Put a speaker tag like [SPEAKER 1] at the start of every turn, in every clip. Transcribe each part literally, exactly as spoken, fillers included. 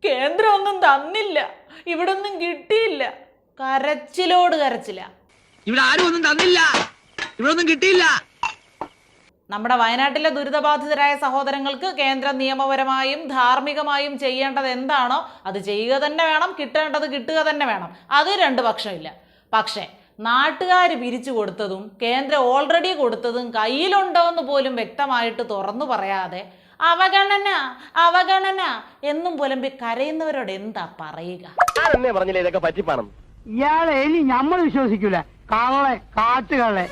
[SPEAKER 1] കേന്ദ്രം ഒന്നും തന്നില്ല, ഇവിടെ ഒന്നും കിട്ടിയില്ല. കരച്ചിലോട് കരച്ചില്ല.
[SPEAKER 2] ഇവിടെ ആരും ഒന്നും തന്നില്ല, ഇവിടെ ഒന്നും കിട്ടിയില്ല.
[SPEAKER 1] നമ്മുടെ വയനാട്ടിലെ ദുരിതബാധിതരായ സഹോദരങ്ങൾക്ക് കേന്ദ്രം നിയമപരമായും ധാർമ്മികമായും ചെയ്യേണ്ടത് എന്താണോ അത് ചെയ്യുക തന്നെ വേണം, കിട്ടേണ്ടത് കിട്ടുക തന്നെ വേണം. അത് രണ്ട് പക്ഷമില്ല. പക്ഷേ നാട്ടുകാർ പിരിച്ചു കൊടുത്തതും കേന്ദ്രം ഓൾറെഡി കൊടുത്തതും കയ്യിലുണ്ടോ എന്ന് പോലും വ്യക്തമായിട്ട് തുറന്നു പറയാതെ അവഗണന അവഗണന എന്നും പുലമ്പി കരയുന്നവരോട് എന്താ പറയുക?
[SPEAKER 3] പറഞ്ഞില്ലേ ഇതൊക്കെ പറ്റിപ്പാണം.
[SPEAKER 4] ഇയാളെ ഇനി നമ്മൾ വിശ്വസിക്കൂല. കള്ളെ കാട്ടുകള്ളെ.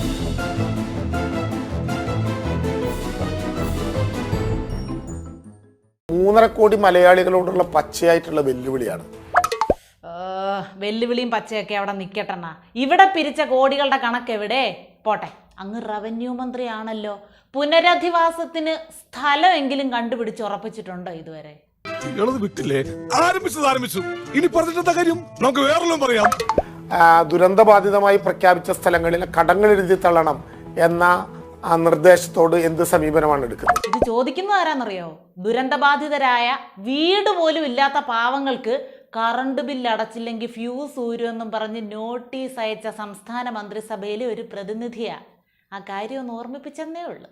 [SPEAKER 5] മൂന്നര കോടി മലയാളികളോടുള്ള പച്ചയായിട്ടുള്ള വെല്ലുവിളിയാണ്.
[SPEAKER 1] വെല്ലുവിളിയും പച്ചയൊക്കെ അവിടെ നിൽക്കട്ടെന്നാ. ഇവിടെ പിരിച്ച കോടികളുടെ കണക്ക് എവിടെ? പോട്ടെ, അങ്ങ് റവന്യൂ മന്ത്രിയാണല്ലോ. പുനരധിവാസത്തിന് സ്ഥലമെങ്കിലും കണ്ടുപിടിച്ച് ഉറപ്പിച്ചിട്ടുണ്ടോ ഇതുവരെ?
[SPEAKER 6] വിട്ടില്ലേ? ആരംഭിച്ചത് ആരംഭിച്ചു. ഇനി പറഞ്ഞിട്ടെന്താ കാര്യം? നമുക്ക് വേറെല്ലാം പറയാം.
[SPEAKER 5] ദുരന്തബാധിതമായി പ്രഖ്യാപിച്ച സ്ഥലങ്ങളിൽ കടങ്ങൾ എഴുതി തള്ളണം എന്ന ആ നിർദ്ദേശത്തോട് എന്ത് സമീപനമാണ് എടുക്കുന്നത്?
[SPEAKER 1] ഇത് ചോദിക്കുന്നത് ആരാന്നറിയോ? ദുരന്തബാധിതരായ വീട് പോലും ഇല്ലാത്ത പാവങ്ങൾക്ക് കറണ്ട് ബില്ല് അടച്ചില്ലെങ്കിൽ ഫ്യൂസ് ഊരുമെന്നും പറഞ്ഞ് നോട്ടീസ് അയച്ച സംസ്ഥാന മന്ത്രിസഭയിലെ ഒരു പ്രതിനിധിയാ. ആ കാര്യം ഒന്ന് ഓർമ്മിപ്പിച്ചെന്നേ ഉള്ളു.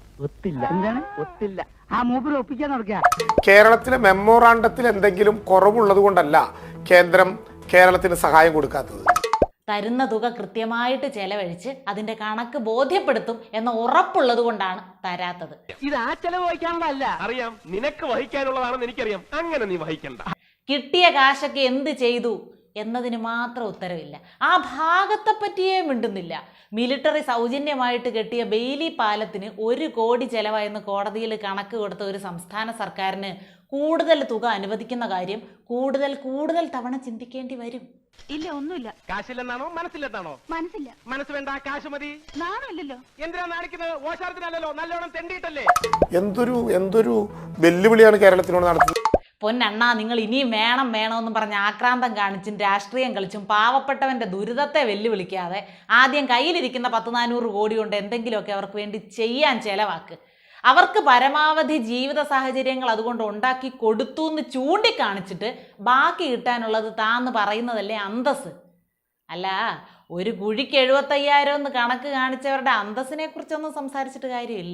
[SPEAKER 5] കേരളത്തിലെ മെമ്മോറാണ്ടത്തിൽ എന്തെങ്കിലും കുറവുള്ളത് കൊണ്ടല്ല കേന്ദ്രം കേരളത്തിന് സഹായം കൊടുക്കാത്തത്.
[SPEAKER 1] തരുന്ന തുക കൃത്യമായിട്ട് ചെലവഴിച്ച് അതിന്റെ കണക്ക് ബോധ്യപ്പെടുത്തും എന്ന ഉറപ്പുള്ളത് കൊണ്ടാണ് തരാത്തത്.
[SPEAKER 3] ഇത് ആ ചെലവ് വഹിക്കാനുള്ളതല്ല. അറിയാം, നിനക്ക് വഹിക്കാനുള്ളതാണെന്ന് എനിക്കറിയാം. അങ്ങനെ നീ വഹിക്കണ്ട.
[SPEAKER 1] കിട്ടിയ കാശൊക്കെ എന്ത് ചെയ്തു എന്നതിന് മാത്രം ഉത്തരവില്ല. ആ ഭാഗത്തെ പറ്റിയേ മിണ്ടുന്നില്ല. മിലിറ്ററി സൗജന്യമായിട്ട് കെട്ടിയ ബെയിലി പാലത്തിന് ഒരു കോടി ചെലവായെന്ന് കോടതിയിൽ കണക്ക് കൊടുത്ത ഒരു സംസ്ഥാന സർക്കാരിന് കൂടുതൽ തുക അനുവദിക്കുന്ന കാര്യം കൂടുതൽ കൂടുതൽ തവണ ചിന്തിക്കേണ്ടി വരും.
[SPEAKER 7] ഇല്ല, ഒന്നുമില്ല.
[SPEAKER 3] കാശില്ലെന്നാണോ മനസ്സിലെന്നാണോ?
[SPEAKER 7] മനസ്സില്ല.
[SPEAKER 3] മനസ്സ് വേണ്ട, കാശ് മതി.
[SPEAKER 7] നാണല്ലോ.
[SPEAKER 3] എന്തിനാ നാണിക്കുന്നത്? ഓശാരത്തിനല്ലോ, നല്ലോണം തെണ്ടിയിട്ടല്ലേ.
[SPEAKER 5] എന്തൊരു എന്തൊരു വെല്ലുവിളിയാണ് കേരളത്തിനോട് നടത്തുന്നത്.
[SPEAKER 1] പൊന്നണ്ണാ, നിങ്ങൾ ഇനിയും വേണം വേണമെന്നും പറഞ്ഞ് ആക്രാന്തം കാണിച്ചും രാഷ്ട്രീയം കളിച്ചും പാവപ്പെട്ടവന്റെ ദുരിതത്തെ വെല്ലുവിളിക്കാതെ ആദ്യം കയ്യിലിരിക്കുന്ന പത്ത് നാനൂറ് കോടി കൊണ്ട് എന്തെങ്കിലുമൊക്കെ അവർക്ക് വേണ്ടി ചെയ്യാൻ ചെലവാക്ക്. അവർക്ക് പരമാവധി ജീവിത സാഹചര്യങ്ങൾ അതുകൊണ്ട് ഉണ്ടാക്കി കൊടുത്തു എന്ന് ചൂണ്ടിക്കാണിച്ചിട്ട് ബാക്കി കിട്ടാനുള്ളത് താന്ന് പറയുന്നതല്ലേ അന്തസ്. അല്ല, ഒരു കുഴിക്ക് എഴുപത്തയ്യായിരം എന്ന് കണക്ക് കാണിച്ചവരുടെ അന്തസ്സിനെ കുറിച്ചൊന്നും സംസാരിച്ചിട്ട് കാര്യമില്ല.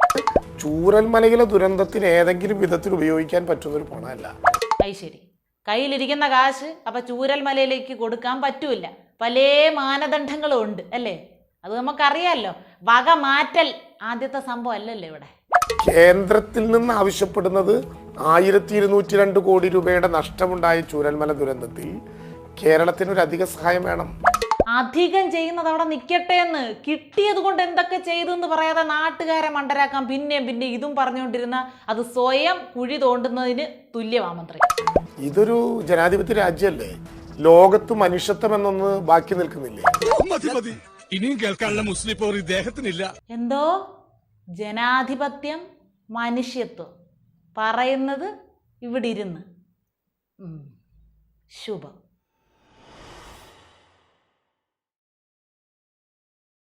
[SPEAKER 5] ചൂരൽമലയിലെ ദുരന്തത്തിന് ഏതെങ്കിലും വിധത്തിൽ ഉപയോഗിക്കാൻ പറ്റുന്ന ഒരു പണമല്ല.
[SPEAKER 1] അത് ശരി, കയ്യിലിരിക്കുന്ന കാശ് അപ്പൊ ചൂരൽമലയിലേക്ക് കൊടുക്കാൻ പറ്റൂല. പല മാനദണ്ഡങ്ങളും ഉണ്ട് അല്ലേ? അത് നമുക്കറിയാമല്ലോ. വക മാറ്റൽ ആദ്യത്തെ സംഭവം അല്ലല്ലോ ഇവിടെ.
[SPEAKER 5] കേന്ദ്രത്തിൽ നിന്ന് ആവശ്യപ്പെടുന്നത് ആയിരത്തി ഇരുന്നൂറ്റി രണ്ട് കോടി രൂപയുടെ നഷ്ടമുണ്ടായ ചൂരൽമല ദുരന്തത്തിൽ കേരളത്തിന് ഒരു അധിക സഹായം വേണം.
[SPEAKER 1] അധികം ചെയ്യുന്നത് അവിടെ നിൽക്കട്ടെ എന്ന്, കിട്ടിയത് കൊണ്ട് എന്തൊക്കെ ചെയ്തു എന്ന് പറയാതെ നാട്ടുകാരെ മണ്ടരാക്കാൻ പിന്നെയും പിന്നെ ഇതും പറഞ്ഞുകൊണ്ടിരുന്ന അത് സ്വയം കുഴി തോണ്ടുന്നതിന് തുല്യമാ മന്ത്രി.
[SPEAKER 5] ഇതൊരു ജനാധിപത്യ രാജ്യമല്ലേ? ലോകത്ത് മനുഷ്യത്വം എന്നൊന്ന് ബാക്കി നിൽക്കുന്നില്ലേ?
[SPEAKER 6] ഇനിയും കേൾക്കാനുള്ള മുസ്ലിം പോർ ഇദ്ദേഹത്തിനില്ല.
[SPEAKER 1] എന്തോ ജനാധിപത്യം, മനുഷ്യത്വം പറയുന്നത് ഇവിടെ ഇരുന്ന്. ശുഭം.